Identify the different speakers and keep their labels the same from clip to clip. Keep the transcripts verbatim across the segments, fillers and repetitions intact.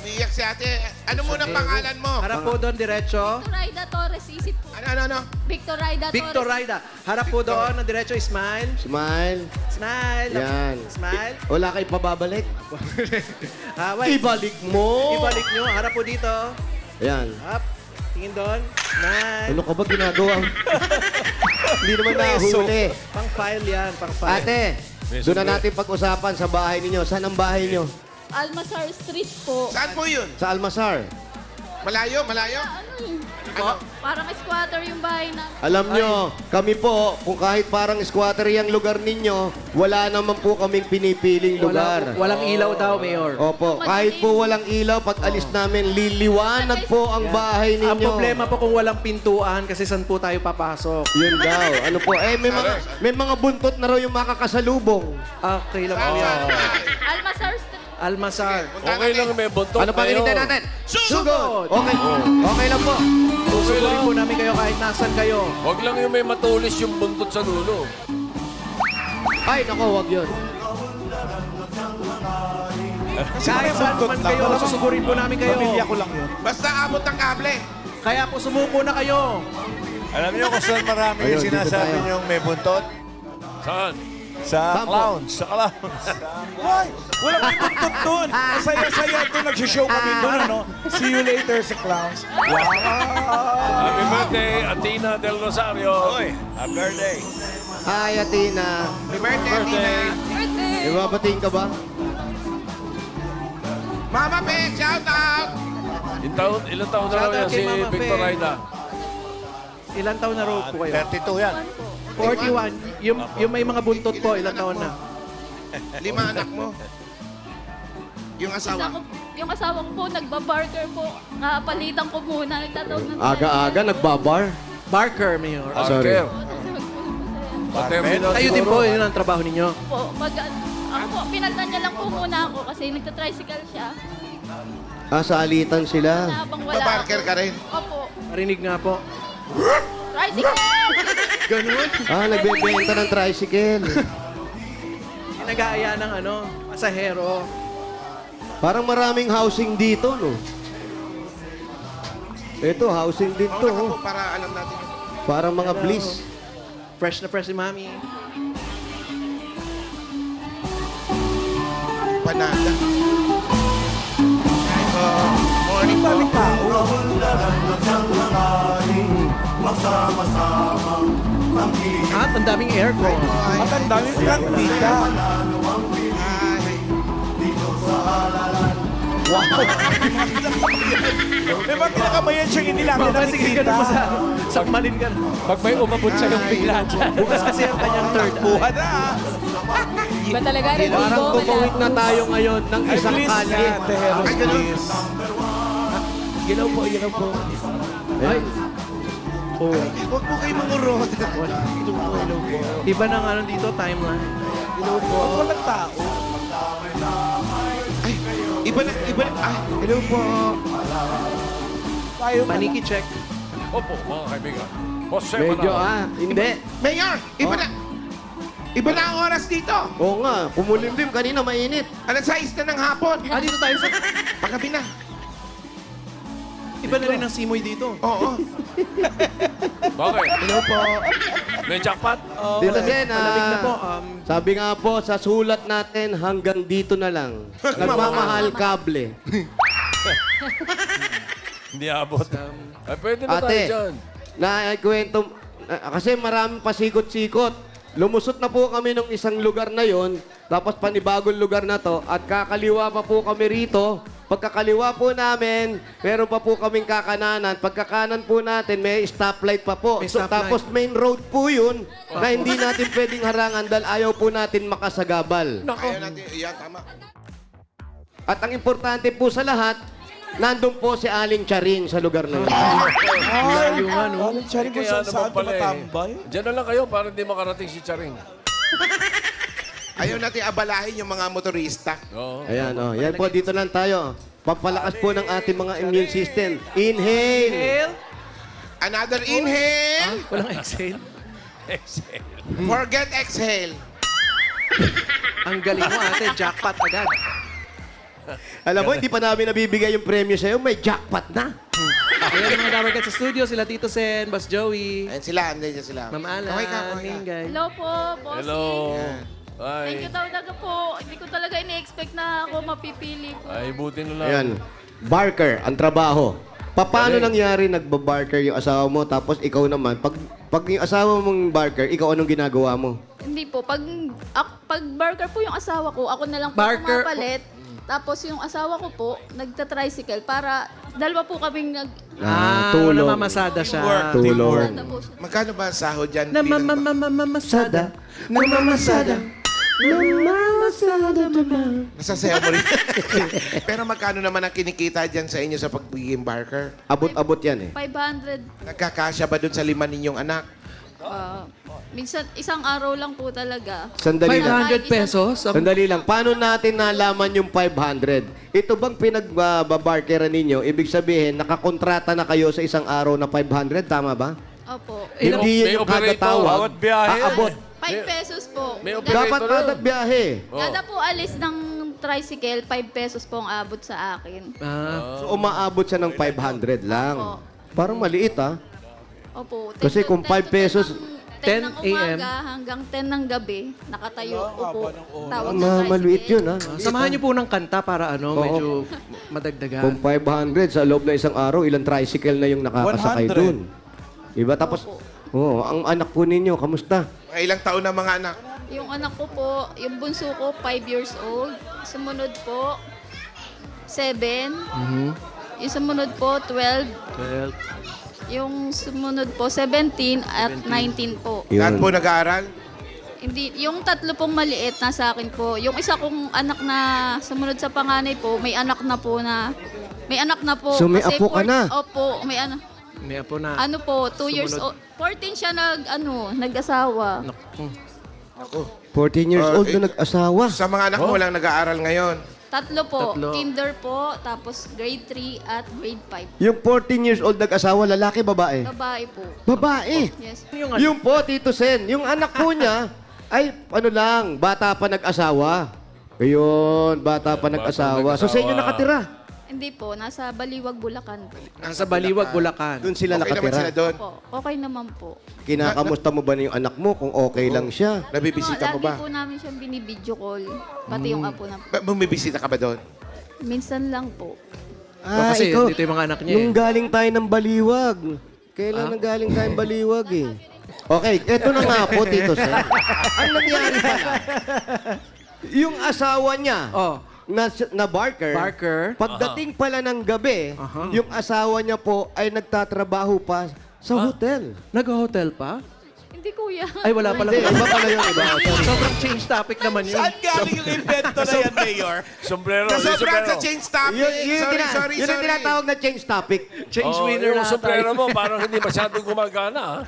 Speaker 1: Umiiyak si ate. Ano muna pangalan mo?
Speaker 2: Harap po doon, diretso.
Speaker 3: Raida Torres, isip po.
Speaker 1: Ano, ano, ano?
Speaker 3: Victor Raida
Speaker 2: Victor
Speaker 3: Torres.
Speaker 2: Raida. Harap po doon, ng diretso, smile.
Speaker 4: Smile.
Speaker 2: Smile.
Speaker 4: Yan.
Speaker 2: Smile.
Speaker 4: Wala kayo pababalik.
Speaker 2: Ah, wait.
Speaker 4: Ibalik mo.
Speaker 2: Ibalik nyo. Harap po dito.
Speaker 4: Yan.
Speaker 2: Up. Tingin doon. Smile.
Speaker 4: Ano ka ba ginagawa? Hindi naman nahuli.
Speaker 2: Pang file yan. Pang file.
Speaker 4: Ate, doon na natin pag-usapan sa bahay ninyo. Saan ang bahay niyo?
Speaker 3: Almasar Street po.
Speaker 1: Saan po yun?
Speaker 4: Sa Almasar.
Speaker 1: Malayo, malayo?
Speaker 3: Ano yun?
Speaker 1: Ano?
Speaker 3: Parang squatter yung bahay na.
Speaker 4: Alam nyo, kami po, kung kahit parang squatter yung lugar ninyo, wala naman po kaming pinipiling lugar.
Speaker 2: Wala, walang ilaw daw, Mayor.
Speaker 4: Opo, kahit po walang ilaw, pag alis namin, liliwanag po ang bahay ninyo.
Speaker 2: Ang problema po kung walang pintuan kasi saan po tayo papasok.
Speaker 4: Yun daw. Ano po? Eh, may mga, may mga buntot na raw yung makakasalubong.
Speaker 2: Okay lang po
Speaker 1: Saan,
Speaker 2: yan.
Speaker 1: saan?
Speaker 3: Almasar Street.
Speaker 2: Almasar.
Speaker 1: Punta
Speaker 5: Okay
Speaker 1: natin.
Speaker 5: lang may buntot.
Speaker 4: Ano pang hinintay natin?
Speaker 2: Sugod!
Speaker 4: Okay. Okay lang po.
Speaker 2: Susugurin po namin kayo kahit nasan kayo.
Speaker 5: Huwag lang yung may matulis yung buntot sa dulo.
Speaker 4: Ay, nako, wag yun.
Speaker 2: Kahit saan man kayo, susugurin po namin kayo.
Speaker 6: Pamilya ko lang yun.
Speaker 1: Basta abot ng kable.
Speaker 2: Kaya po sumuko na kayo.
Speaker 6: Alam niyo kung saan marami
Speaker 4: Ayun,
Speaker 6: yung
Speaker 4: dito
Speaker 6: sinasabi
Speaker 4: tayo.
Speaker 6: niyong may buntot?
Speaker 5: Saan?
Speaker 6: Sa
Speaker 4: Saan po?
Speaker 6: clowns. Sa clowns. Why? Wala may buntot doon. Masaya-saya doon. Nagsishow kami doon, ano? See you later sa clowns. Wow!
Speaker 5: Happy birthday, Atina Del Rosario.
Speaker 6: Hoy, happy birthday.
Speaker 4: Hi, Atina.
Speaker 1: Happy birthday, Tina.
Speaker 3: Birthday!
Speaker 4: Ibabating ka ba?
Speaker 1: Mama Pe, shout out!
Speaker 5: Ilang taon, ilang taon na
Speaker 2: Shout
Speaker 5: lang yan
Speaker 2: out kay
Speaker 5: si
Speaker 2: Mama
Speaker 5: Victor
Speaker 2: Fe.
Speaker 5: Raida.
Speaker 2: Ilan taon na road po kayo?
Speaker 6: thirty-two yan.
Speaker 2: forty-one. Yung, yung may mga buntot po, ilan taon na?
Speaker 1: Lima anak mo. Yung
Speaker 3: Isa
Speaker 1: asawa.
Speaker 3: ko, yung asawa ko po, nagbabarker po. Nakapalitan ko muna. Nagtatawag ng
Speaker 4: Aga-aga, nagbabar.
Speaker 2: Barker, Mayor.
Speaker 4: Ah, sorry.
Speaker 5: Parker. Paterminal
Speaker 2: Kayo din
Speaker 5: siguro.
Speaker 2: po, yun ang trabaho ninyo.
Speaker 3: Po, mag, ako po, pinaltan niya lang po muna ako kasi nagtatricycle siya.
Speaker 4: Ah, sa alitan sila.
Speaker 3: Na habang wala
Speaker 1: Babarker
Speaker 3: ako.
Speaker 1: ka rin.
Speaker 3: Opo.
Speaker 2: Narinig nga po.
Speaker 3: Tricycle!
Speaker 2: Ganun.
Speaker 4: Ah, nagbebenta ng tricycle.
Speaker 2: Nag-aaya ng ano, pasahero.
Speaker 4: Parang maraming housing dito, no? Ito, housing din to.
Speaker 1: Mauna ka po
Speaker 4: Oh.
Speaker 1: para alam natin.
Speaker 4: Parang mga bliss.
Speaker 2: Fresh na fresh si Mami.
Speaker 1: Panada. Hi po. Morning po.
Speaker 2: At ang daming aircon.
Speaker 6: At ang daming kandita. May mga kinakabayan siyang hindi namin
Speaker 2: Baka sige ka na
Speaker 6: nakikita.
Speaker 2: sa sakmalin ka na.
Speaker 5: Pag may umabot sa yung bigla dyan.
Speaker 2: Bukas kasi ang kanyang third eye.
Speaker 6: Buha na.
Speaker 3: Iba talaga rin.
Speaker 4: Parang tumawid na tayo ngayon ng
Speaker 6: Ay,
Speaker 4: isang
Speaker 6: please,
Speaker 4: kalye.
Speaker 6: Ate Heros,
Speaker 1: Ay, ganun.
Speaker 6: please.
Speaker 2: Ginaw po, ginaw po. Ay. Oh.
Speaker 1: Huwag po kayo mangurot.
Speaker 2: Iba ng ano dito, timeline.
Speaker 6: Huwag walang tao.
Speaker 1: Ay, iba na, iba na. Ay, hello po.
Speaker 6: Tayo na.
Speaker 2: Paniki check.
Speaker 5: Opo, mga kaibigan. Jose
Speaker 4: Medyo
Speaker 5: Manalo.
Speaker 4: ah, hindi.
Speaker 1: Mayor, iba na. Iba na ang oras dito.
Speaker 4: Oo nga, kumulimlim kanina mainit.
Speaker 1: Alas sais na ng hapon.
Speaker 2: Ah, dito tayo sa...
Speaker 1: Paggabi na.
Speaker 2: Iba na rin ang simoy dito.
Speaker 1: Oo.
Speaker 5: Bakit?
Speaker 1: Hello po.
Speaker 5: May jackpot?
Speaker 4: Dito din,
Speaker 2: Malamig na po.
Speaker 4: ah,
Speaker 2: Um,
Speaker 4: sabi nga po, sa sulat natin, hanggang dito na lang. Nagmamahal kable.
Speaker 5: Hindi abot. Ay, pwede na tayo
Speaker 4: Ate,
Speaker 5: dyan.
Speaker 4: naikwento, ah, kasi maraming pasikot-sikot. Lumusot na po kami ng isang lugar na yon, tapos panibagong lugar na to, at kakaliwa pa po kami rito. Pagkakaliwa po namin, meron pa po kaming kakananan. Pagkakanan po natin, may stoplight pa po.
Speaker 2: May
Speaker 4: So,
Speaker 2: stoplight.
Speaker 4: tapos main road po yun, na hindi natin pwedeng harangan dahil ayaw po natin makasagabal.
Speaker 1: Ayaw natin. Yan, tama.
Speaker 4: At ang importante po sa lahat, nandun po si Aling Charing sa lugar na yun.
Speaker 2: layo nga, no?
Speaker 6: Alam, Charing, kung
Speaker 5: Kaya
Speaker 6: saan saan
Speaker 5: naman pala eh.
Speaker 6: tumatambay.
Speaker 5: Diyan na lang kayo para hindi makarating si Charing.
Speaker 1: Ayaw natin abalahin yung mga motorista.
Speaker 5: Oo.
Speaker 4: Ayan, oh. Yan po, dito lang tayo. Pampalakas po ng ating mga immune system. Inhale!
Speaker 2: Inhale.
Speaker 1: Another inhale.
Speaker 2: Walang exhale.
Speaker 5: Excel.
Speaker 1: Forget exhale.
Speaker 2: Ang galing mo, ate. Jackpot agad.
Speaker 4: Alam mo, hindi pa namin nabibigay yung premyo sa'yo, may jackpot na.
Speaker 2: Ayan mga dabarkad sa studio, sila Tito Sen, Boss Joey,
Speaker 1: Ayan sila, andyan dyan sila.
Speaker 2: Ma'am Alan,
Speaker 1: Kaway ka, kaway ka.
Speaker 2: Mingay.
Speaker 3: Hello po, bossing.
Speaker 5: Hello.
Speaker 3: Thank
Speaker 5: Ay.
Speaker 3: you talaga po. Hindi ko talaga ini-expect na ako mapipili po.
Speaker 5: Ay, buti na lang.
Speaker 4: Ayan, barker, ang trabaho. Pa- Paano nangyari nagba-barker yung asawa mo, tapos ikaw naman, pag, pag yung asawa mong barker, ikaw anong ginagawa mo?
Speaker 3: Hindi po. Pag, ak- pag barker po yung asawa ko, ako na lang po
Speaker 2: Barker-
Speaker 3: pumapalit. Tapos yung asawa ko po, nagta-tricycle para dalawa po kaming nag...
Speaker 2: Ah,
Speaker 4: tulong.
Speaker 2: namamasada siya.
Speaker 4: Tulong.
Speaker 3: Sana po siya.
Speaker 1: Magkano ba ang sahod dyan? bilang-
Speaker 2: Namamasada.
Speaker 4: Namamasada. Namamasada naman.
Speaker 1: Nasasayaw mo rin. Pero magkano naman ang kinikita dyan sa inyo sa pagiging barker?
Speaker 4: Abot-abot yan eh.
Speaker 3: five hundred.
Speaker 1: Nagkakasya ba dun sa lima ninyong anak?
Speaker 3: ah, minsan, isang araw lang po talaga.
Speaker 4: Sandali
Speaker 2: five
Speaker 4: lang.
Speaker 2: hundred pesos? Ang-
Speaker 4: Sandali lang. Paano natin nalaman yung five hundred? Ito bang pinagbabarkeran ninyo? Ibig sabihin, nakakontrata na kayo sa isang araw na five hundred, tama ba?
Speaker 3: Opo.
Speaker 2: Ilang-
Speaker 4: Hindi
Speaker 5: may
Speaker 4: yun yung kada
Speaker 5: operator,
Speaker 4: tawag.
Speaker 5: bawat biyahe.
Speaker 4: Aabot.
Speaker 3: five pesos po.
Speaker 5: may
Speaker 3: Kada-
Speaker 5: operator.
Speaker 4: Dapat kada biyahe.
Speaker 3: Kada po alis ng tricycle, five pesos po ang abot sa akin.
Speaker 2: Ah,
Speaker 4: So, umaabot siya ng five hundred lang.
Speaker 3: Opo.
Speaker 4: Parang maliit, ah.
Speaker 3: Opo. ten
Speaker 4: Kasi
Speaker 3: to-
Speaker 4: kung
Speaker 3: ten
Speaker 4: five
Speaker 3: to
Speaker 4: pesos,
Speaker 3: ten ng
Speaker 2: ten a m
Speaker 3: umaga hanggang ten ng gabi, nakatayo po po. Tawag
Speaker 4: Ma
Speaker 3: ng
Speaker 4: maliit
Speaker 3: tricycle.
Speaker 4: yun, ah.
Speaker 2: samahan niyo po ng kanta para ano,
Speaker 4: Oo.
Speaker 2: medyo
Speaker 4: Kung
Speaker 2: madagdagan.
Speaker 4: five hundred sa loob na isang araw, ilang tricycle na yung nakakasakay
Speaker 6: one hundred.
Speaker 4: dun. Diba? Tapos, oh, ang anak po ninyo, kamusta?
Speaker 1: Mga ilang taon na mga anak?
Speaker 3: Yung anak ko po, yung bunso ko, five years old. Sumunod po, seven. Yung sumunod po, twelve.
Speaker 2: Well,
Speaker 3: Yung sumunod po, seventeen at nineteen po.
Speaker 1: Lahat
Speaker 4: Yun.
Speaker 1: po nag-aaral?
Speaker 3: Hindi, yung tatlo pong maliit na sa akin po. Yung isa kong anak na sumunod sa panganay po, may anak na po na, may anak na po.
Speaker 4: So, may
Speaker 3: Kasi
Speaker 4: apo ka
Speaker 3: four-
Speaker 4: na?
Speaker 3: Opo, may ano.
Speaker 2: may apo na.
Speaker 3: Ano po, two years
Speaker 2: Sumunod.
Speaker 3: old. fourteen siya nag, ano, nag-asawa.
Speaker 2: Naku.
Speaker 4: fourteen years
Speaker 1: Oh,
Speaker 4: old
Speaker 1: eh.
Speaker 4: na nag-asawa.
Speaker 1: Sa mga anak mo walang nag-aaral ngayon.
Speaker 3: Tatlo po,
Speaker 2: Tatlo.
Speaker 3: kinder po, tapos grade three at grade five.
Speaker 4: Yung fourteen years old nag-asawa, lalaki, babae?
Speaker 3: Babae po.
Speaker 4: Babae.
Speaker 3: Yes.
Speaker 2: Yung,
Speaker 4: Yung po, Tito Sen, yung anak po niya, ay, ano lang, bata pa nag-asawa. Ayun, bata pa
Speaker 5: Bata
Speaker 4: nag-asawa. So, sa inyo
Speaker 5: nag-asawa.
Speaker 4: nakatira?
Speaker 3: Hindi po, nasa Baliwag, Bulacan po.
Speaker 2: sa Baliwag, Bulacan.
Speaker 4: Doon sila
Speaker 1: Okay naman
Speaker 4: nakatira.
Speaker 1: sila doon.
Speaker 3: Po, okay naman po.
Speaker 4: Kinakamusta mo ba na yung anak mo kung okay lang siya?
Speaker 1: Nabibisita mo
Speaker 3: Lagi
Speaker 1: ba?
Speaker 3: po namin siyang binibideo call. Pati yung apo na
Speaker 1: Ba- Bumibisita ka ba doon?
Speaker 3: minsan lang po.
Speaker 2: Oh, kasi dito yung mga anak niya eh.
Speaker 4: Nung galing tayo ng Baliwag. Kailan nang galing tayo ng Baliwag eh? Okay, eto na nga po, Tito Sen. Ang nangyari pala, yung asawa niya,
Speaker 2: Oh,
Speaker 4: na, na Barker,
Speaker 2: Barker.
Speaker 4: pagdating pala ng gabi,
Speaker 2: Aha.
Speaker 4: yung asawa niya po ay nagtatrabaho pa sa hotel.
Speaker 2: nag-hotel pa?
Speaker 3: Hindi kuya.
Speaker 2: Ay, wala pala.
Speaker 4: Hindi, iba pala yun, iba.
Speaker 2: Sobrang change topic naman yun.
Speaker 6: Saan galing yung invento na yan, Mayor?
Speaker 5: Sombrero.
Speaker 1: Kasobrang
Speaker 5: yung sombrero.
Speaker 1: sa change topic.
Speaker 4: Yun, yun,
Speaker 1: sorry,
Speaker 4: tina-
Speaker 1: sorry,
Speaker 4: yun ang
Speaker 1: sorry.
Speaker 4: tinatawag na change topic.
Speaker 2: Change
Speaker 5: Oh,
Speaker 2: winner
Speaker 5: yung
Speaker 2: na
Speaker 5: sombrero
Speaker 2: tayo.
Speaker 5: mo, parang hindi masyadong gumagana. ha?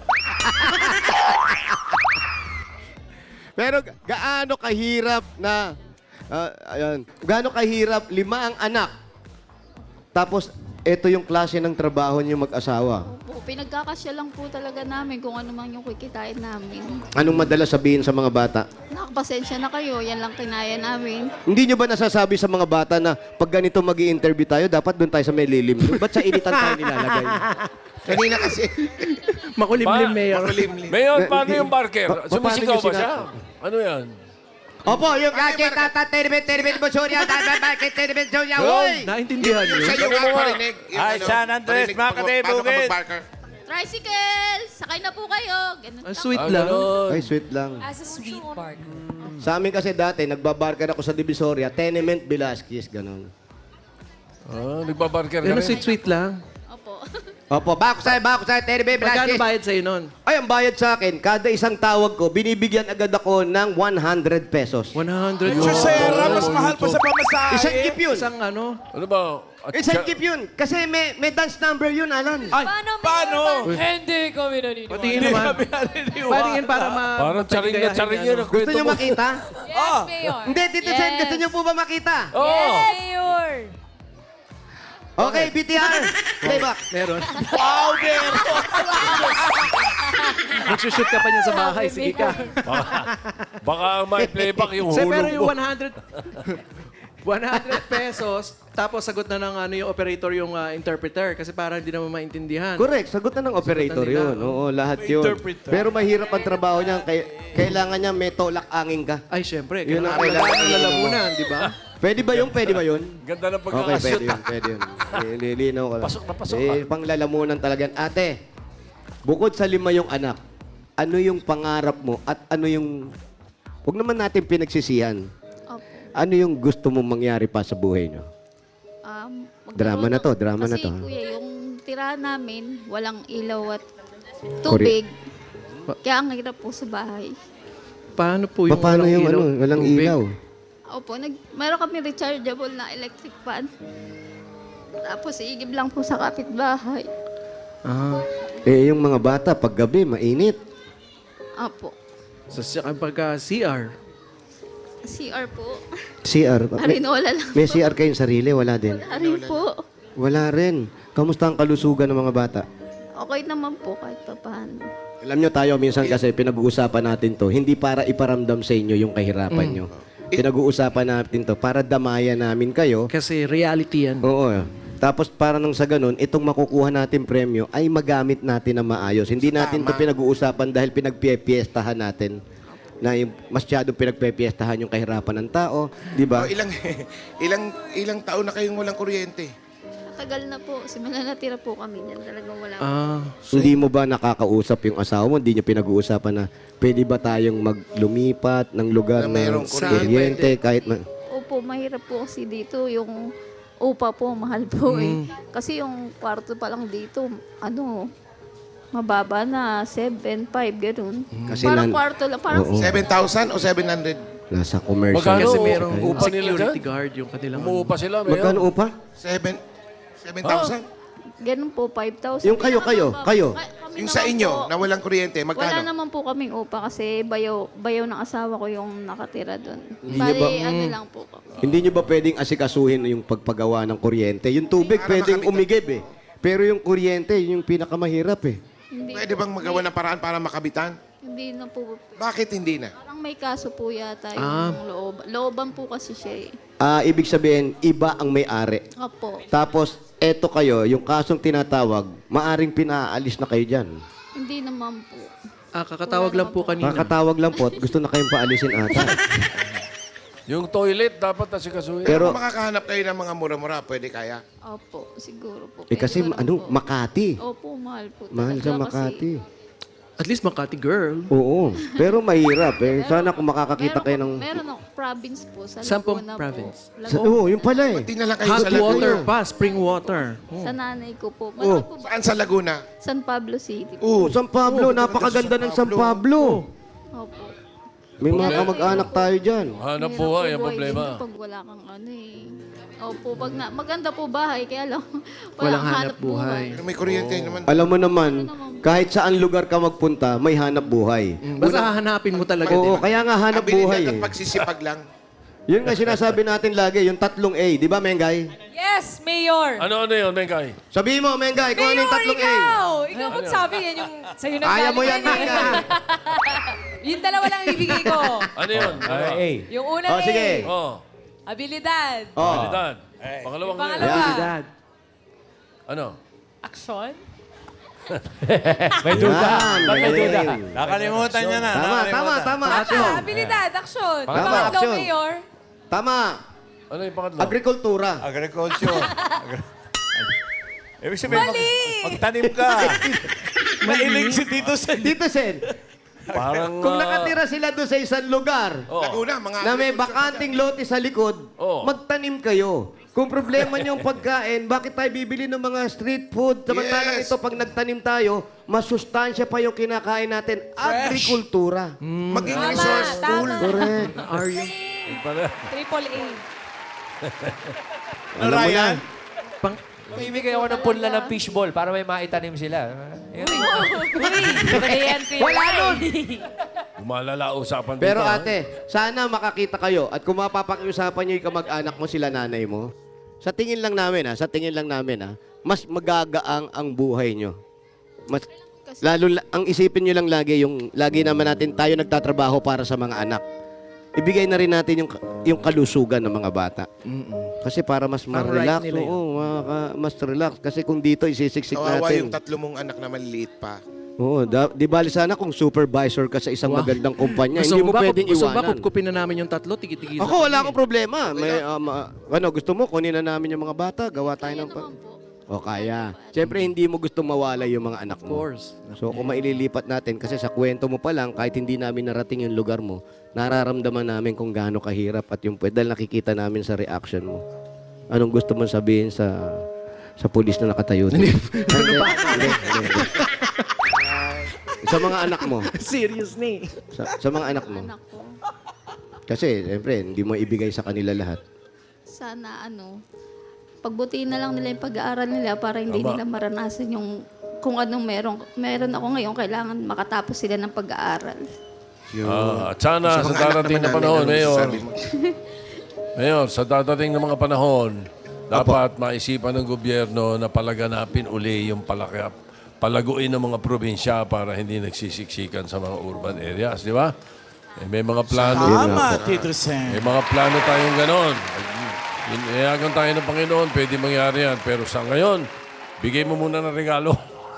Speaker 4: Pero ga- gaano kahirap na, ah, ayun, gaano kahirap lima ang anak. Tapos, ito yung klase ng trabaho niyo mag-asawa.
Speaker 3: Opo, pinagkakasya lang po talaga namin kung ano man yung kikitain namin.
Speaker 4: Anong madalas sabihin sa mga bata?
Speaker 3: Nakapasensya na kayo, yan lang kinaya namin.
Speaker 4: Hindi nyo ba nasasabi sa mga bata na pag ganito mag interview tayo, dapat doon tayo sa may lilim? Ba't sa initan tayo nilalagay?
Speaker 1: Kanina kasi.
Speaker 2: Makulimlim,
Speaker 5: Pa-
Speaker 2: Mayor.
Speaker 1: Makulimlim.
Speaker 5: Mayor,
Speaker 4: Eh,
Speaker 5: paano
Speaker 4: hindi-
Speaker 5: yung barker?
Speaker 4: Pa- pa-
Speaker 5: Sumisigaw
Speaker 4: paano
Speaker 5: ba
Speaker 4: yung
Speaker 5: siya?
Speaker 4: sina-
Speaker 5: Ano yan?
Speaker 4: Opo, yung kake tata terbet terbet mo sorya tata bakit terbet sorya hoy.
Speaker 2: Naintindihan niyo?
Speaker 1: Sa iyo nga
Speaker 5: Sabi mo nga.
Speaker 1: parinig. yung
Speaker 6: Ay,
Speaker 1: ano,
Speaker 6: San Andres,
Speaker 1: parinig
Speaker 6: mga
Speaker 1: bago-
Speaker 6: katay,
Speaker 1: bago ka
Speaker 6: bukid.
Speaker 1: mag-barker.
Speaker 3: Tricycle! Sakay na po kayo! Ganun
Speaker 2: Ang
Speaker 3: lang.
Speaker 2: sweet
Speaker 5: Ah,
Speaker 2: lang.
Speaker 5: ganun.
Speaker 4: Ay, sweet lang.
Speaker 7: As a sweet park.
Speaker 4: Sa amin kasi dati, nagbabarkar ako sa Divisoria, Tenement Velasquez, ganun.
Speaker 5: Ah, nagbabarker ka
Speaker 2: Ano
Speaker 5: rin?
Speaker 2: sweet-sweet lang.
Speaker 3: Opo.
Speaker 4: Opo, bako sa'yo, bako sa'yo, Tenement
Speaker 2: Magkano
Speaker 4: Velasquez.
Speaker 2: bayad sa'yo nun?
Speaker 4: Ay, ang bayad sa akin, kada isang tawag ko, binibigyan agad ako ng one hundred pesos.
Speaker 2: one hundred.
Speaker 6: Chusera, mas mahal pa sa pamasahe.
Speaker 4: Isang gift yun.
Speaker 2: Isang ano?
Speaker 5: Ano ba? At
Speaker 4: Isang
Speaker 5: siya-
Speaker 4: gift yun. Kasi may, may dance number yun, Alan.
Speaker 2: Ay,
Speaker 7: Paano?
Speaker 6: Paano?
Speaker 7: Hindi kami naniniwala.
Speaker 2: patingin naman. Patingin para ma...
Speaker 5: Parang charing na charing yun ang
Speaker 4: Gusto
Speaker 5: kwento
Speaker 4: nyo
Speaker 5: mo.
Speaker 4: makita?
Speaker 7: Yes, Mayor.
Speaker 4: Hindi, Tito Sen,
Speaker 3: Yes.
Speaker 4: gusto nyo po ba makita?
Speaker 5: Oo.
Speaker 7: Yes, Mayor.
Speaker 4: Okay, B T R. Playback.
Speaker 2: Meron.
Speaker 6: Wow, meron.
Speaker 2: Magsushoot ka pa niyan sa bahay. Sige ka.
Speaker 5: Baka, baka may playback yung
Speaker 2: Sir, pero
Speaker 5: hulog
Speaker 2: yung
Speaker 5: mo.
Speaker 2: one hundred... one hundred pesos, tapos sagot na ng ano yung operator yung ah, interpreter kasi para hindi naman maintindihan.
Speaker 4: Correct, sagot na ng operator
Speaker 2: nila,
Speaker 4: yun. Oo, lahat yun.
Speaker 6: Interpreter.
Speaker 4: Pero mahirap ang trabaho niya. Kay- kailangan niya may tolak-angin ka.
Speaker 2: Ay, syempre.
Speaker 4: Yun ang
Speaker 2: Kailangan
Speaker 4: kailangan
Speaker 2: ng lalamunan, di ba?
Speaker 4: Pwede ba yun? Pwede ba yun?
Speaker 5: Ganda ng
Speaker 4: Okay,
Speaker 5: pagkakashoot.
Speaker 4: pwede yun. Pwede yun. Nililinaw ko lang.
Speaker 5: Pasok na pasok
Speaker 4: Eh, panglalamunan talaga. Ate, bukod sa lima yung anak, ano yung pangarap mo at ano yung... Huwag naman natin pinagsisihan.
Speaker 3: Opo.
Speaker 4: Ano yung gusto mong mangyari pa sa buhay nyo?
Speaker 3: Um, magkaroon
Speaker 4: Drama na to,
Speaker 3: ng-
Speaker 4: drama na
Speaker 3: kasi,
Speaker 4: to, ha?
Speaker 3: kuya, yung tirahan namin, walang ilaw at tubig. Kaya ang hirap po sa bahay.
Speaker 2: Paano po yung
Speaker 4: Paano
Speaker 2: walang
Speaker 4: yung
Speaker 2: ilaw?
Speaker 4: ano, walang
Speaker 2: Tubig?
Speaker 4: ilaw?
Speaker 3: Opo, nag, meron kami rechargeable na electric fan. Tapos iigib lang po sa kapitbahay.
Speaker 2: Ah,
Speaker 4: Eh, yung mga bata, pag gabi, mainit.
Speaker 3: Opo.
Speaker 2: sa sa pagka C R.
Speaker 3: C R po.
Speaker 4: C R. May,
Speaker 3: Arinola lang.
Speaker 4: may C R kayong sarili? Wala din.
Speaker 3: Arin po.
Speaker 4: Wala rin. Kamusta ang kalusugan ng mga bata?
Speaker 3: Okay naman po kahit pa paano.
Speaker 4: Alam nyo tayo, minsan kasi pinag-uusapan natin to, hindi para iparamdam sa inyo yung kahirapan nyo. Pinag-uusapan natin to para damayan namin kayo.
Speaker 2: Kasi reality yan.
Speaker 4: Oo. Tapos para nang sa ganun, itong makukuha natin premyo ay magamit natin na maayos. Hindi natin to pinag-uusapan dahil pinagpipiestahan natin na yung masyadong pinagpipiestahan yung kahirapan ng tao, di ba?
Speaker 1: O, ilang, ilang, ilang taon na kayong walang kuryente?
Speaker 3: Matagal na po. Simula natira po kami niyan. Talagang wala.
Speaker 2: Ah,
Speaker 4: Hindi mo ba nakakausap yung asawa mo? Hindi nyo pinag-uusapan na pwede ba tayong maglumipat ng lugar
Speaker 1: Na
Speaker 4: na
Speaker 1: mayroong
Speaker 4: kuryente kahit ma-
Speaker 3: Opo, mahirap po kasi dito yung upa po, mahal po eh. Kasi yung kwarto pa lang dito, ano, mababa na, seven, five, ganun.
Speaker 4: Kasi
Speaker 3: Parang
Speaker 4: nan-
Speaker 3: kwarto lang, parang
Speaker 4: Oo.
Speaker 1: seven thousand o seven hundred?
Speaker 4: nasa commercial.
Speaker 5: Magkano?
Speaker 2: kasi
Speaker 5: Oo,
Speaker 2: merong
Speaker 5: upa nila
Speaker 2: security
Speaker 5: dyan?
Speaker 2: guard yung kanilang...
Speaker 5: Umuupa sila.
Speaker 4: Magkano
Speaker 5: Mayor.
Speaker 4: upa?
Speaker 1: seven thousand?
Speaker 3: ganun po, five thousand.
Speaker 4: Yung kayo, kayo, kayo.
Speaker 1: Yung sa inyo, na walang kuryente,
Speaker 3: Wala
Speaker 1: magkano?
Speaker 3: naman po kaming upa kasi bayaw, bayaw ng asawa ko yung nakatira doon.
Speaker 4: Hindi
Speaker 3: Bali,
Speaker 4: niyo ba-
Speaker 3: ano lang po.
Speaker 4: Hindi nyo ba pwedeng asikasuhin yung pagpagawa ng kuryente? Yung tubig
Speaker 1: Para
Speaker 4: pwedeng
Speaker 1: makamit-
Speaker 4: umigib eh. Pero yung kuryente, yun yung pinakamahirap eh.
Speaker 3: Hindi,
Speaker 1: Pwede bang magawa ng paraan para makabitan?
Speaker 3: hindi na po.
Speaker 1: Bakit hindi na?
Speaker 3: Parang may kaso po yata yung
Speaker 2: Ah.
Speaker 3: loob. Looban po kasi siya eh.
Speaker 4: Ah, ibig sabihin, iba ang may-ari.
Speaker 3: Opo.
Speaker 4: Tapos, eto kayo, yung kasong tinatawag, maaring pinaalis na kayo dyan.
Speaker 3: Hindi naman po.
Speaker 2: Ah, kakatawag lang po kanina.
Speaker 4: Kakatawag lang po at gusto na kayong paalisin ata.
Speaker 5: Yung toilet, dapat nasikasuhin.
Speaker 1: Pero
Speaker 4: Pero,
Speaker 1: kung makahanap kayo ng mga mura-mura, pwede kaya.
Speaker 3: Opo, siguro po.
Speaker 4: eh kasi,
Speaker 3: Pero
Speaker 4: ano,
Speaker 3: po.
Speaker 4: Makati.
Speaker 3: Opo, mahal po.
Speaker 4: Mahal
Speaker 3: talaga
Speaker 4: sa Makati.
Speaker 3: kasi-
Speaker 2: At least Makati girl.
Speaker 4: Oo. Pero mahirap eh. Sana kung makakakita
Speaker 3: Meron
Speaker 4: kayo
Speaker 3: po-
Speaker 4: ng...
Speaker 3: Meron ako, province po. Sa
Speaker 2: Saan pong
Speaker 3: Laguna
Speaker 2: province?
Speaker 3: Po.
Speaker 4: Sa, oo, yun pala eh.
Speaker 1: Pati na lang kayo
Speaker 2: Hot
Speaker 1: sa Laguna.
Speaker 2: water pa, spring water.
Speaker 3: Sa nanay ko po.
Speaker 4: Oh.
Speaker 3: Malaki po ba?
Speaker 1: Saan sa Laguna?
Speaker 3: San Pablo City po.
Speaker 4: Oh, San Pablo. Napakaganda ng San Pablo.
Speaker 3: Opo.
Speaker 4: May mga
Speaker 3: Problema.
Speaker 4: kamag-anak tayo dyan.
Speaker 5: Hanap
Speaker 3: Mahirap
Speaker 5: buhay,
Speaker 3: po
Speaker 5: ang
Speaker 3: buhay
Speaker 5: problema.
Speaker 3: dito Pag wala kang ano eh. Opo, pag na, maganda po bahay, kaya lang
Speaker 2: Walang hanap buhay.
Speaker 1: Pero may kuryente naman.
Speaker 4: Alam mo naman, kahit saan lugar ka magpunta, may hanap buhay.
Speaker 2: Mm, Basta hahanapin mo talaga.
Speaker 4: Oo,
Speaker 2: di ba?
Speaker 4: kaya nga hanap
Speaker 1: Abilidad
Speaker 4: buhay
Speaker 1: at
Speaker 4: eh.
Speaker 1: pagsisipag lang.
Speaker 4: Yun nga sinasabi natin lagi, yung tatlong A. Di ba, Mengay?
Speaker 7: Yes, Mayor.
Speaker 5: Ano ano yun, Mengay?
Speaker 4: Sabihin mo, Mengay, kung ano yung
Speaker 7: Mayor,
Speaker 4: tatlong A.
Speaker 7: ikaw! Ikaw magsabi yan yung sa'yo na
Speaker 4: Ayaw mo yan, Mengay.
Speaker 7: Yung dalawa lang ibigay ko.
Speaker 5: Ano yun? Ano?
Speaker 7: Yung una
Speaker 4: Oh, sige.
Speaker 5: Oh,
Speaker 7: abilidad.
Speaker 4: Oh.
Speaker 5: habilidad. Pangalawang
Speaker 7: Yung
Speaker 5: yun.
Speaker 7: pangalawa.
Speaker 2: Dad.
Speaker 5: Ano?
Speaker 7: Aksyon.
Speaker 4: May duda. May duda.
Speaker 6: Nakalimutan niya na.
Speaker 4: Tama, tama, tama.
Speaker 7: Tama,
Speaker 4: Action.
Speaker 7: abilidad, aksyon. Yung
Speaker 4: Tama,
Speaker 7: pangatlo,
Speaker 4: action.
Speaker 7: Mayor.
Speaker 4: Tama.
Speaker 5: Ano yung pangatlo?
Speaker 4: Agrikultura.
Speaker 6: Agriculture. Agri- Ibig sabihin,
Speaker 7: Mali!
Speaker 6: mag- magtanim ka. Mailing si Tito Sen.
Speaker 4: Dito, Sen.
Speaker 5: Parang...
Speaker 4: Kung
Speaker 5: ah,
Speaker 4: nakatira sila doon sa isang lugar,
Speaker 5: oh.
Speaker 1: Laguna, mga...
Speaker 4: na may bakanting lote sa likod,
Speaker 5: Oo.
Speaker 4: magtanim kayo. Kung problema niyo yung pagkain, bakit tayo bibili ng mga street food? Samantalang
Speaker 1: Yes.
Speaker 4: ito, pag nagtanim tayo, masustansya pa yung kinakain natin. Agrikultura.
Speaker 1: Maging
Speaker 7: Tama,
Speaker 1: resourceful.
Speaker 7: tama.
Speaker 4: Correct.
Speaker 2: Are you?
Speaker 7: Triple A.
Speaker 4: Alam mo na.
Speaker 2: Pang,
Speaker 8: Bibigay ako ng punla ng fishball para may maitanim sila. Yun.
Speaker 7: Wala nun.
Speaker 5: Malala usapan dito.
Speaker 4: Pero
Speaker 5: ah.
Speaker 4: ate, sana makakita kayo at kung mapapakiusapan niyo yung kamag-anak mo sila nanay mo, sa tingin lang namin ha, sa tingin lang namin ha, mas magagaang ang buhay nyo. Mas, lalo, la- ang isipin nyo lang lagi, yung lagi naman natin tayo nagtatrabaho para sa mga anak. ibigay na rin natin yung yung kalusugan ng mga bata. Kasi para mas
Speaker 2: Parang
Speaker 4: ma-relax,
Speaker 2: right nila yun.
Speaker 4: oo, maka- mas relax. Kasi kung dito isisiksik
Speaker 1: Kawawa
Speaker 4: natin.
Speaker 1: yung tatlo mong anak na maliliit pa.
Speaker 4: Oo, da, di bali sana kung supervisor ka sa isang
Speaker 2: Wow.
Speaker 4: magandang kumpanya,
Speaker 2: Gusto
Speaker 4: hindi
Speaker 2: mo
Speaker 4: mo
Speaker 2: ba,
Speaker 4: pwedeng
Speaker 2: gusto mo ba
Speaker 4: iwanan.
Speaker 2: kupkupin na namin yung tatlo? Tigi-tigi.
Speaker 4: Ako, wala akong problema. May, um, ah, ano, gusto mo, kunin na namin yung mga bata, gawa tayo ng... Pa- o kaya. Siyempre, hindi mo gusto mawala yung mga anak
Speaker 2: Of
Speaker 4: mo.
Speaker 2: course.
Speaker 4: So, kung maililipat natin, kasi sa kwento mo pa lang, kahit hindi namin narating yung lugar mo, nararamdaman namin kung gaano kahirap at yung dahil nakikita namin sa reaction mo. Anong gusto mong sabihin sa sa pulis na nakatayo? Hindi. Hindi, hindi, hindi. Sa mga anak mo.
Speaker 2: Serious ni.
Speaker 4: Sa, sa mga anak mo.
Speaker 3: Anak ko.
Speaker 4: Kasi, siyempre, hindi mo ibigay sa kanila lahat.
Speaker 3: Sana ano, pagbutiin na lang nila yung pag-aaral nila para hindi
Speaker 5: Tama.
Speaker 3: nila maranasan yung kung anong meron. Meron ako ngayon, kailangan makatapos sila ng pag-aaral.
Speaker 5: Ah, at sana sa
Speaker 1: mga anak
Speaker 5: darating
Speaker 1: naman
Speaker 5: na panahon,
Speaker 1: namin, ano
Speaker 5: Mayor,
Speaker 1: masasabi mo?
Speaker 5: Mayor, sa dadating na mga panahon, dapat maisipan ng gobyerno na palaganapin uli yung palakap, palaguin ng mga probinsya para hindi nagsisiksikan sa mga urban areas, di ba? Eh, may mga plano.
Speaker 6: Tama, Tito Sen.
Speaker 5: May mga plano tayong ganon. Inayagan tayo ng Panginoon, pwede mangyari yan. Pero sa ngayon, bigay mo muna ng regalo.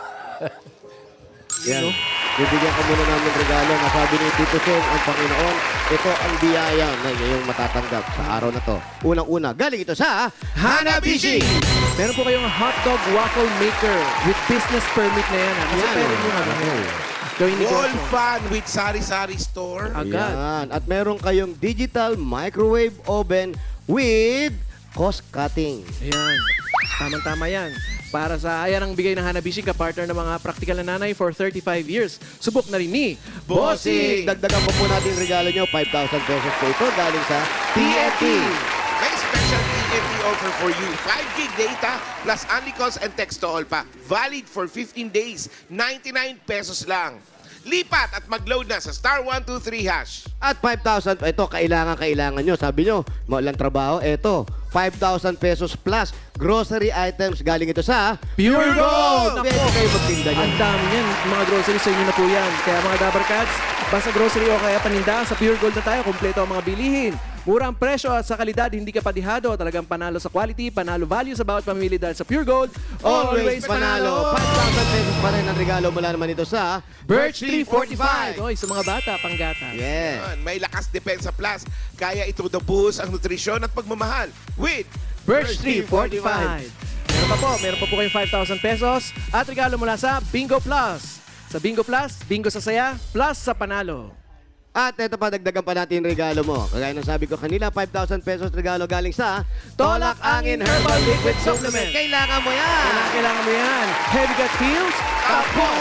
Speaker 4: Yan. Bibigyan ka muna namin regalo. Nasabi ni Tito Sen, ang Panginoon, ito ang biyaya na iyong matatanggap sa araw na to. Unang-una, galing ito sa Hanabishi!
Speaker 2: Meron po kayong hotdog waffle maker with business permit na yan. ha? Kasi
Speaker 4: Yan.
Speaker 2: pwede nyo ano, gawin
Speaker 1: Wall
Speaker 2: negosyo.
Speaker 1: fan with sari-sari store.
Speaker 2: Agad.
Speaker 4: Yan. At meron kayong digital microwave oven with cost cutting.
Speaker 2: Ayan. Tamang-tama yan. Para sa ayan ang bigay ng Hanabishi, ka-partner ng mga practical na nanay for thirty-five years. Subok na rin ni
Speaker 4: Bossing! Dagdagan po po natin yung regalo nyo. five thousand pesos po ito galing sa T F T.
Speaker 1: May special T F T offer for you. five gig data plus only calls and text to all pa. Valid for fifteen days. ninety-nine pesos lang. Lipat at mag-load na sa star one two three hash.
Speaker 4: At five thousand, ito, kailangan, kailangan nyo. Sabi nyo, maulang trabaho, ito, five thousand pesos plus grocery items galing ito sa
Speaker 2: Pure Gold!
Speaker 4: Pwede
Speaker 2: Nako!
Speaker 4: kayo magtinda niyan.
Speaker 2: Ang dami niyan. Mga groceries sa inyo na po yan. Kaya mga Dabber Cats, basta grocery o kaya paninda, sa Pure Gold na tayo, kompleto ang mga bilihin. Mura ang presyo at sa kalidad, hindi ka padihado. Talagang panalo sa quality, panalo value sa bawat pamimili dahil sa Pure Gold,
Speaker 4: Always panalo. five thousand pesos pa rin ang regalo mula naman ito sa
Speaker 2: Birch Tree forty-five. Oy, sa mga bata, panggata.
Speaker 4: Yeah.
Speaker 1: Yan, may lakas depensa plus. Kaya ito nabuhos ang nutrisyon at pagmamahal with
Speaker 2: Birch Tree forty-five. Meron pa po, meron pa po kayong five thousand pesos at regalo mula sa Bingo Plus. Sa Bingo Plus, bingo sa saya, plus sa panalo.
Speaker 4: At ito pa, dagdagan pa natin yung regalo mo. Kagaya ng sabi ko kanila, five thousand pesos regalo galing sa Tolak Angin Herbal Liquid Supplement. Kailangan mo yan!
Speaker 2: Kailangan, kailangan mo yan. Heavy gut feels?
Speaker 4: Tapos!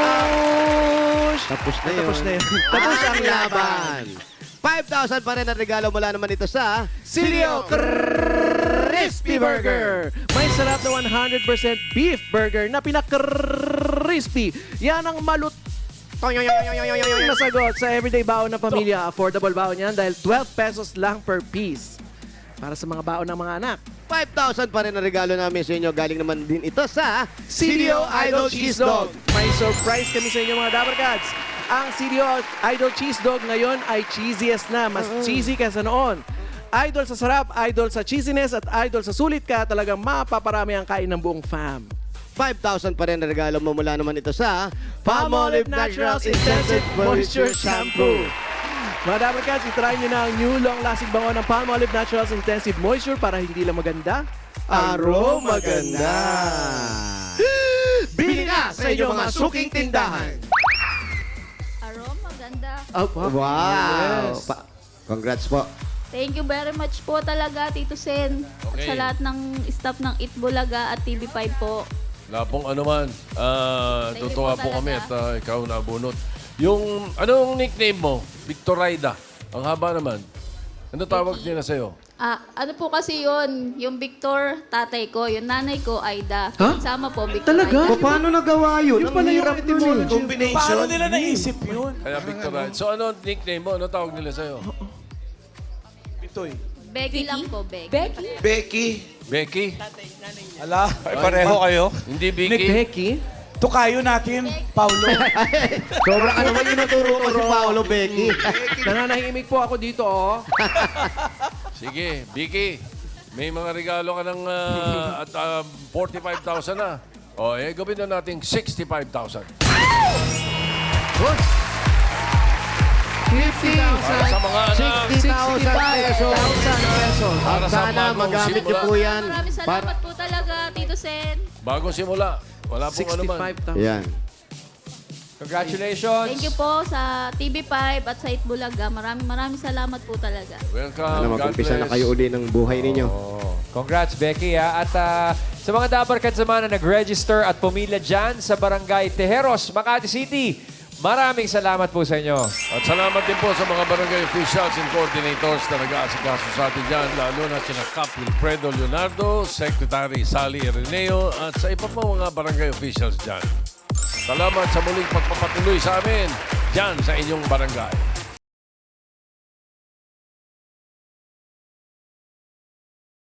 Speaker 2: Tapos!
Speaker 4: Tapos na yun.
Speaker 2: Tapos na yun. Tapos ang laban.
Speaker 4: five thousand pa rin ang regalo mula naman ito sa
Speaker 2: Silio Crispy Burger. May sarap na one hundred percent beef burger na pinaka-crispy. Yan ang malut na sagot sa everyday baon ng pamilya. Affordable baon yan dahil twelve pesos lang per piece. Para sa mga baon ng mga anak.
Speaker 4: five thousand pa rin ang regalo namin sa inyo. Galing naman din ito sa
Speaker 2: Silio Idol Cheese Dog. May surprise kami sa inyo mga Dabber Cats. Ang Silio Idol Cheese Dog ngayon ay cheesiest na. Mas cheesy kaysa noon. Idol sa sarap, idol sa cheesiness, at idol sa sulit ka. Talagang mapaparami ang kain ng buong fam.
Speaker 4: five thousand pa rin ang regalo mo mula naman ito sa Palmolive Naturals Intensive Moisture Shampoo.
Speaker 2: Mga Dabber Cats, itry nyo na ang new long-lasting bango ng Palmolive Naturals Intensive Moisture para hindi lang maganda,
Speaker 4: Aroma ganda.
Speaker 2: Bili na sa inyong mga suking tindahan.
Speaker 3: Aroma, ganda.
Speaker 2: Oh,
Speaker 4: Wow.
Speaker 2: Yes.
Speaker 4: Pa- Congrats po.
Speaker 3: Thank you very much po talaga, Tito Sen. At
Speaker 5: Okay.
Speaker 3: sa lahat ng staff ng Itbulaga at T V five po.
Speaker 5: Wala pong ano man. Ah,
Speaker 3: Thank you
Speaker 5: tutuwa
Speaker 3: po
Speaker 5: po kami at
Speaker 3: talaga.
Speaker 5: ah, ikaw nabunot. Yung, anong nickname mo? Victorida. Ang haba naman. Ano tawag nila sa'yo?
Speaker 3: Ah, ano po kasi yun, yung Victor, tatay ko, yung nanay ko, Aida.
Speaker 2: Huh?
Speaker 3: Sama po, Victor
Speaker 2: Talaga?
Speaker 3: Aida.
Speaker 4: Paano nagawa yun?
Speaker 2: Yung pala yung etymology.
Speaker 1: combination.
Speaker 6: Paano nila naisip yun?
Speaker 5: Kaya Victorida. So ano nickname mo? Ano tawag nila sa'yo?
Speaker 6: Ito'y.
Speaker 3: Becky lang po, Becky.
Speaker 1: Becky.
Speaker 5: Becky?
Speaker 6: Ala, ay pareho kayo.
Speaker 5: Hindi Vicky?
Speaker 2: Becky?
Speaker 6: tukayo natin, Paulo.
Speaker 4: Sobra ka naman inuturo mo si Paolo, Becky.
Speaker 2: Nananahimik po ako dito, oh.
Speaker 5: Sige, Vicky. May mga regalo ka ng ah, at ah, forty-five thousand na. O, eh, gawin na natin sixty-five thousand.
Speaker 2: fifty thousand.
Speaker 5: Para sa mga anak.
Speaker 4: sixty thousand pesos.
Speaker 2: pesos.
Speaker 4: At
Speaker 5: Para sa
Speaker 4: sana
Speaker 5: bagong
Speaker 4: magamit niyo
Speaker 5: simula.
Speaker 4: po yan.
Speaker 3: Maraming salamat po talaga, Tito Sen.
Speaker 5: Bagong simula. Wala pong ano man.
Speaker 2: sixty-five thousand.
Speaker 4: Yan.
Speaker 8: Congratulations.
Speaker 3: Thank you po sa T V five at sa Itbulaga. Maraming maraming salamat po talaga.
Speaker 5: Welcome.
Speaker 4: Sana
Speaker 5: God
Speaker 4: mag-umpisa na
Speaker 5: bless.
Speaker 4: kayo uli ng buhay ninyo.
Speaker 8: Congrats, Becky. Ha? At ah, sa mga Dabarkad naman na nag-register at pumila dyan sa Barangay Tejeros, Makati City, maraming salamat po sa inyo.
Speaker 5: At salamat din po sa mga barangay officials and coordinators na nag-aasikaso sa atin dyan, lalo na sina Cap Wilfredo Leonardo, Secretary Sally Ireneo, at sa iba pa mga barangay officials dyan. Salamat sa muling pagpapatuloy sa amin dyan sa inyong barangay.